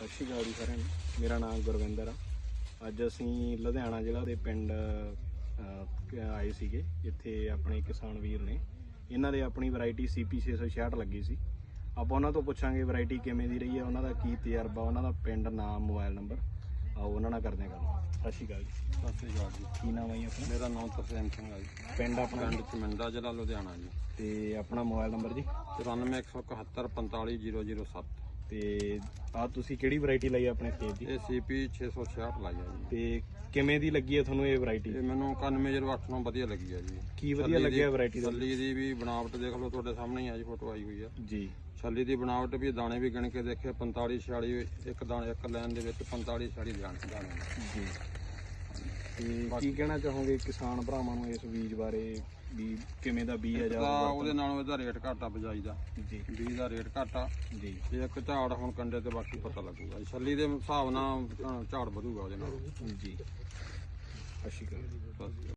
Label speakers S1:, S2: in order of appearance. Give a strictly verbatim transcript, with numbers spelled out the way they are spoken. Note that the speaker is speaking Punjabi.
S1: ਸਤਿ ਸ਼੍ਰੀ ਅਕਾਲ ਜੀ ਸਾਰਿਆਂ ਨੂੰ। ਮੇਰਾ ਨਾਮ ਗੁਰਵਿੰਦਰ ਆ। ਅੱਜ ਅਸੀਂ ਲੁਧਿਆਣਾ ਜ਼ਿਲ੍ਹਾ ਦੇ ਪਿੰਡ ਅਹ, ਆਏ ਸੀਗੇ। ਇੱਥੇ ਆਪਣੇ ਕਿਸਾਨ ਵੀਰ ਨੇ, ਇਹਨਾਂ ਦੇ ਆਪਣੀ ਵੈਰਾਈਟੀ ਸੀ ਪੀ ਛੇ ਸੌ ਛਿਆਹਠ ਲੱਗੀ ਸੀ। ਆਪਾਂ ਉਹਨਾਂ ਤੋਂ ਪੁੱਛਾਂਗੇ ਵੈਰਾਈਟੀ ਕਿਵੇਂ ਦੀ ਰਹੀ ਹੈ, ਉਹਨਾਂ ਦਾ ਕੀ ਤਜਰਬਾ, ਉਹਨਾਂ ਦਾ ਪਿੰਡ, ਨਾਮ, ਮੋਬਾਈਲ ਨੰਬਰ। ਆਓ ਉਹਨਾਂ ਨਾਲ ਕਰਦੇ ਹਾਂ ਗੱਲ। ਸਤਿ ਸ਼੍ਰੀ ਅਕਾਲ ਜੀ।
S2: ਸਤਿ ਸ਼੍ਰੀ ਅਕਾਲ ਜੀ।
S1: ਕੀ ਨਾਮ ਹੈ ਜੀ ਆਪਣਾ?
S2: ਮੇਰਾ ਨਾਮ ਤਰਸੇਮ ਸਿੰਘ ਹੈ ਜੀ।
S1: ਪਿੰਡ ਆਪਣਾ?
S2: ਪਿੰਡ ਚਮਿੰਦਾ, ਜ਼ਿਲ੍ਹਾ ਲੁਧਿਆਣਾ ਜੀ।
S1: ਤੇ ਆਪਣਾ ਮੋਬਾਈਲ ਨੰਬਰ ਜੀ?
S2: ਚੁਰਾਨਵੇਂ ਇੱਕ ਸੌ ਇਕਹੱਤਰ ਪੰਤਾਲੀ ਜ਼ੀਰੋ ਜ਼ੀਰੋ ਸੱਤ।
S1: ਤੇ ਆ ਤੁਸੀਂ ਕਿਹੜੀ ਵੈਰਾਈਟੀ ਲਈ ਆਪਣੇ ਖੇਤ ਦੀ?
S2: ਇਹ ਸੀ ਪੀ ਛੇ ਸੌ ਛਿਆਹਠ ਲਾਈ ਹੈ ਜੀ।
S1: ਤੇ ਕਿਵੇਂ ਦੀ ਲੱਗੀ ਹੈ ਤੁਹਾਨੂੰ ਇਹ ਵੈਰਾਈਟੀ?
S2: ਇਹ ਮੈਨੂੰ ਇਕਾਨਵੇਂ ਜ਼ੀਰੋ ਅੱਠ ਨੂੰ ਵਧੀਆ ਲੱਗੀ ਹੈ ਜੀ।
S1: ਕੀ ਵਧੀਆ ਲੱਗਿਆ ਵੈਰਾਈਟੀ ਦਾ?
S2: ਛੱਲੀ ਦੀ ਵੀ ਬਣਾਵਟ ਦੇਖ ਲਓ, ਤੁਹਾਡੇ ਸਾਹਮਣੇ ਹੀ ਆ ਜੀ, ਫੋਟੋ ਆਈ ਹੋਈ ਆ
S1: ਜੀ।
S2: ਛੱਲੀ ਦੀ ਬਣਾਵਟ ਵੀ, ਦਾਣੇ ਵੀ ਗਿਣ ਕੇ ਦੇਖੇ ਪੰਤਾਲੀ ਛਿਆਲੀ, ਇੱਕ ਦਾਣੇ ਇੱਕ ਲਾਈਨ ਦੇ ਵਿੱਚ ਪੰਤਾਲੀ ਛਿਆਲੀ ਦਾਣੇ ਦਾਣੇ
S1: ਜੀ। ਤੇ ਕੀ ਕਹਿਣਾ ਚਾਹੋਗੇ ਕਿਸਾਨ ਭਰਾਵਾਂ ਨੂੰ ਇਸ ਬੀਜ ਬਾਰੇ, ਵੀ ਕਿਵੇਂ ਦਾ ਬੀਜ ਆ ਜਾਂ
S2: ਤਾਂ ਉਹਦੇ ਨਾਲੋਂ ਇਹਦਾ ਰੇਟ ਘੱਟ ਆ ਬਿਜਾਈ ਦਾ।
S1: ਜੀ।
S2: ਬੀਜ ਦਾ ਰੇਟ ਘੱਟ ਆ
S1: ਜੀ।
S2: ਤੇ ਇੱਕ ਝਾੜ ਹੁਣ ਕੰਡੇ ਤੇ ਬਾਕੀ ਪਤਾ ਲੱਗੂਗਾ। ਛੱਲੀ ਦੇ ਹਿਸਾਬ ਨਾਲ ਅ, ਝਾੜ ਵਧੂਗਾ ਉਹਦੇ ਨਾਲ
S1: ਜੀ। ਸਤਿ ਸ਼੍ਰੀ ਅਕਾਲ।
S2: ਬਸ।